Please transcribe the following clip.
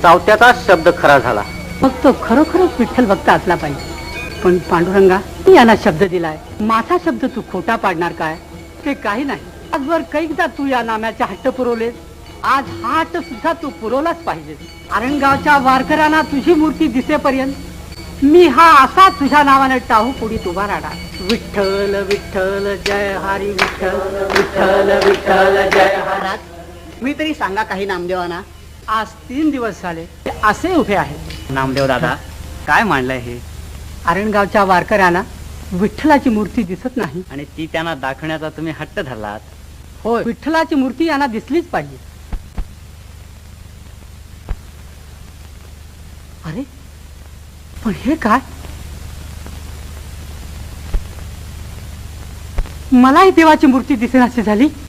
चावत्याचाच शब्द खरा झाला. मग तो खरोखरच विठ्ठल भक्त असला पाहिजे. पण पांडुरंगा, मी यांना शब्द दिलाय, माझा शब्द तू खोटा पाडणार काय? ते काही नाही. आजवर कैकदा तू या नाम्याचे हट्ट पुरवलेस, आज हा हट्ट सुद्धा तू पुरवलाच पाहिजे. आरणगावच्या वारकऱ्यांना तुझी मूर्ती दिसेपर्यंत मी हा असा तुझ्या नावाने टाहू पुढीत उभा राहणार. विठ्ठल विठ्ठल जय हरी विठ्ठल, विठ्ठल विठ्ठल जय हरी. मी तरी सांगा काही नामदेवांना. आज 3 दिवस झाले ते असे उभे आहेत. नामदेव दादा, काय मांडलंय हे? आरणगावच्या वारकऱ्यांना विठ्ठलाची मूर्ती दिसत नाही. आणि ती त्यांना दाखवण्याचा तुम्ही हट्ट धरलात. होय, विठ्ठलाची मूर्ती यांना दिसलीच पाहिजे. अरे पण हे काय? मलाही देवाची मूर्ती दिसेनाशी झाली.